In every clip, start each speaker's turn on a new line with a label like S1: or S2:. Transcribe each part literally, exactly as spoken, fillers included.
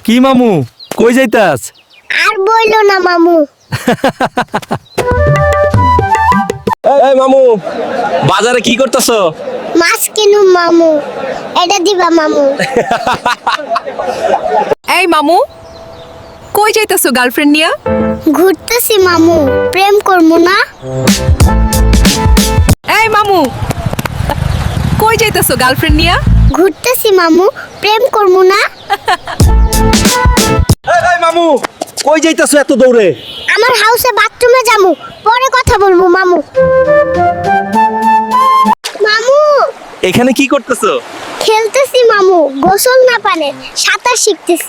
S1: কি মামু কই যাইতাস?
S2: আর বইলো না মামু।
S1: এই মামু বাজারে কি করতেছো?
S2: মাছ কিনুম মামু, এটা দিবা মামু।
S3: এই মামু কই যাইতাছো গার্লফ্রেন্ড নিয়া?
S2: ঘুরতেছি মামু, প্রেম করবো না?
S3: এই মামু কই যাইতাছো গার্লফ্রেন্ড নিয়া?
S2: ঘুরতেছি মামু, প্রেম করবো না?
S1: এই মামু কই যাইতাছো এত দৌড়ে?
S2: আমার হাউসে বাথরুমে যামু, পরে কথা বলবো মামু। মামু
S1: এখানে কি করতেছো?
S2: খেলতেছি মামু, গোসল না পারে সাঁতার শিখতেছি।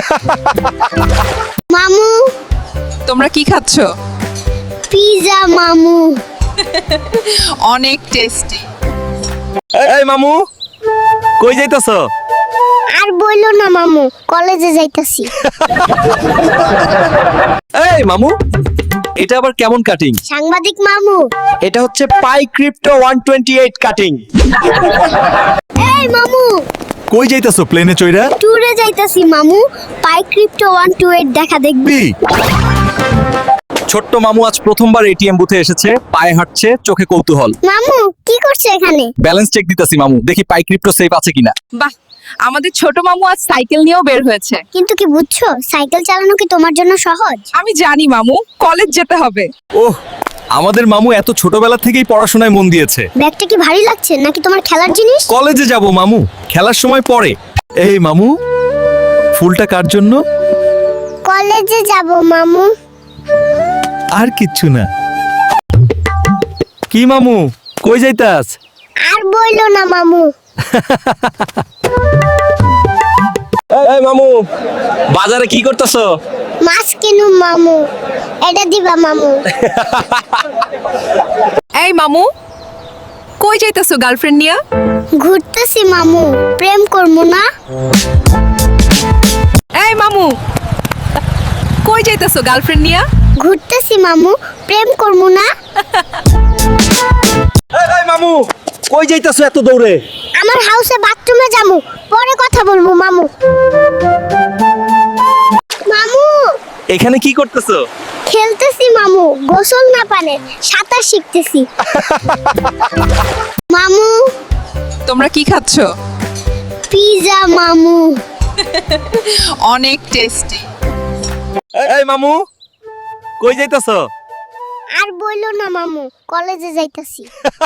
S2: মামু
S3: তোমরা কি খাচ্ছো?
S2: পিজা মামু।
S3: অনেক টেস্টি।
S1: এই মামু কই যাইতাছো?
S2: আর বইলো না মামু, কলেজে যাইতাছি।
S1: এই মামু এটা আবার কেমন কাটিং?
S2: সাংবাদিক মামু।
S1: এটা হচ্ছে Pi crypto one twenty eight cutting.
S2: এই মামু
S1: কই যাইতাছো প্লেনে চইরা?
S2: ট্যুরে যাইতাছি মামু, Pi crypto one two eight দেখা দেখবি।
S1: ছোট্ট মামু আজ প্রথমবার এটিএম বুথে এসেছে, পায়ে হাঁটছে, চোখে কৌতূহল।
S2: মামু কি করছে এখানে?
S1: ব্যালেন্স চেক দিতাছি মামু, দেখি পাই ক্রিপ্টো সেফ আছে কিনা।
S3: বাহ, আমাদের ছোট মামু আজ সাইকেল নিয়েও বের হয়েছে।
S2: কিন্তু কি বুঝছো, সাইকেল চালানো কি তোমার জন্য সহজ?
S3: আমি জানি মামু, কলেজ যেতে হবে।
S1: ওহ, আমাদের মামু এত ছোটবেলা থেকেই পড়াশোনায় মন দিয়েছে।
S2: ব্যাগটা কি ভারী লাগছে নাকি তোমার খেলার জিনিস?
S1: কলেজে যাব মামু, খেলার সময় পরে। এই মামু ফুলটা কার জন্য?
S2: কলেজে যাব মামু।
S1: আর কিচ্ছু না। কি মামু কই যাইতাস?
S2: আর বইলো না মামু।
S1: এই মামু বাজারে কি করতেছো?
S2: মাছ কিনুম মামু, এটা দিবা মামু।
S3: এই মামু কই যাইতাছো গার্লফ্রেন্ড নিয়া?
S2: ঘুরতেছি মামু, প্রেম করবো না?
S3: এই মামু কই যাইতাছো গার্লফ্রেন্ড নিয়া?
S2: ঘুরতেছি মামু, প্রেম করবো না?
S1: এই মামু কই যাইতাছো এত দৌড়ে?
S2: আমার হাউসে বাথরুমে যামু, পরে কথা বলবো মামু। মামু
S1: এখানে কি করতেছো?
S2: খেলতেছি মামু, গোসল না পারে সাঁতার শিখতেছি। মামু
S3: তোমরা কি খাচ্ছো?
S2: পিজা মামু।
S3: অনেক টেস্টি।
S1: এই মামু কই যাইতাছো?
S2: আর বইলো না মামু, কলেজে যাইতাছি।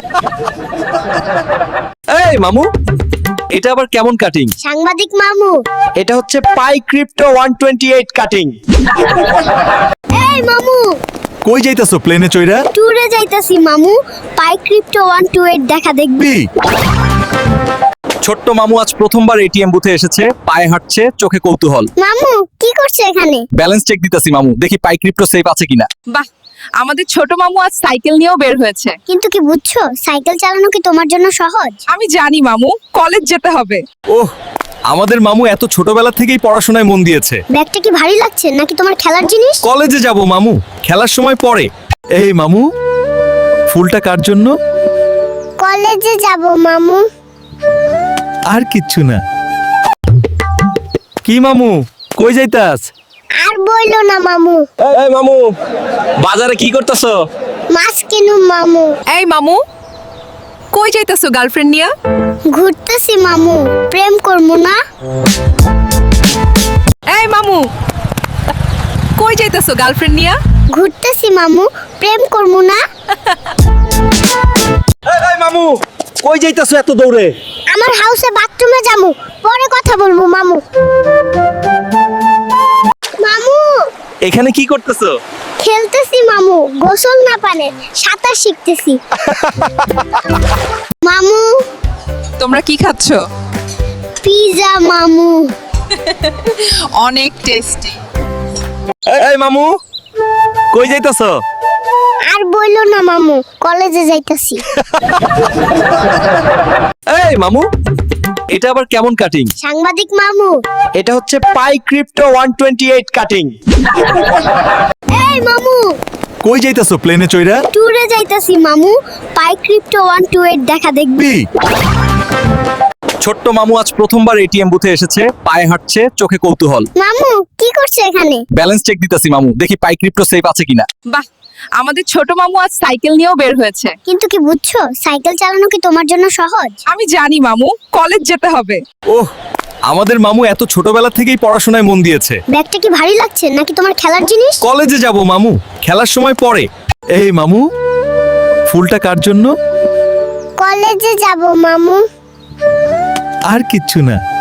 S1: এই মামু এটা আবার কেমন কাটিং?
S2: সাংবাদিক মামু।
S1: এটা হচ্ছে Pi crypto one twenty eight cutting.
S2: এই মামু
S1: কই যাইতাছো প্লেনে চইরা?
S2: ট্যুরে যাইতাছি মামু, Pi crypto one two eight দেখা দেখবি।
S1: ছোট্ট মামু আজ প্রথমবার এটিএম বুথে এসেছে, পায়ে হাঁটছে, চোখে কৌতূহল।
S2: মামু কি করছে এখানে?
S1: ব্যালেন্স চেক দিতাছি মামু, দেখি পাই ক্রিপ্টো সেফ আছে কিনা।
S3: বাহ, আমাদের ছোট মামু আজ সাইকেল নিয়েও বের হয়েছে।
S2: কিন্তু কি বুঝছো, সাইকেল চালানো কি তোমার জন্য সহজ?
S3: আমি জানি মামু, কলেজ যেতে হবে।
S1: ওহ, আমাদের মামু এত ছোটবেলা থেকেই পড়াশোনায় মন দিয়েছে।
S2: ব্যাগটা কি ভারী লাগছে নাকি তোমার খেলার জিনিস?
S1: কলেজে যাব মামু, খেলার সময় পরে। এই মামু ফুলটা কার জন্য?
S2: কলেজে যাব মামু।
S1: আর কিচ্ছু না। কি মামু কই যাইতাস?
S2: আর বইলো না মামু।
S1: এই মামু বাজারে কি করতেছো?
S2: মাছ কিনুম মামু।
S3: এই মামু কই যাইতাছো গার্লফ্রেন্ড নিয়া?
S2: ঘুরতেছি মামু, প্রেম করবো না?
S3: এই মামু কই যাইতাছো গার্লফ্রেন্ড নিয়া?
S2: ঘুরতেছি মামু, প্রেম করবো না?
S1: এই মামু কই যাইতাছো এত দৌড়ে?
S2: আমার হাউসে বাথরুমে যামু, পরে কথা বলবো মামু। মামু
S1: এখানে কি করতেছো?
S2: খেলতেছি মামু, গোসল না পারে সাঁতার শিখতেছি। মামু
S3: তোমরা কি খাচ্ছো?
S2: পিজা মামু।
S3: অনেক টেস্টি।
S1: এই মামু কই যাইতাছো?
S2: আর বইলো না মামু, কলেজে যাইতাছি।
S1: এই মামু এটা আবার কেমন কাটিং?
S2: সাংবাদিক মামু।
S1: এটা হচ্ছে Pi crypto one twenty eight cutting.
S2: এই মামু
S1: কই যাইতাছো প্লেনে চইরা?
S2: ট্যুরে যাইতাছি মামু, Pi crypto one two eight দেখা দেখবি।
S1: ছোট্ট মামু আজ প্রথমবার এটিএম বুথে এসেছে, পায়ে হাঁটছে, চোখে কৌতূহল।
S2: মামু কি করছো এখানে?
S1: ব্যালেন্স চেক দিতেছি মামু, দেখি পাই ক্রিপ্টো সেফ আছে কিনা।
S3: বাহ, আমাদের ছোট মামু আজ সাইকেল নিয়েও বের হয়েছে।
S2: কিন্তু কি বুঝছো, সাইকেল চালানো কি তোমার জন্য সহজ?
S3: আমি জানি মামু, কলেজ যেতে হবে।
S1: ওহ, আমাদের মামু এত ছোটবেলা থেকেই পড়াশোনায় মন দিয়েছে।
S2: ব্যাগটা কি ভারী লাগছে নাকি তোমার খেলার জিনিস?
S1: কলেজে যাব মামু, খেলার সময় পরে। এই মামু, ফুলটা কার জন্য?
S2: কলেজে যাব মামু।
S1: আর কিচ্ছু না।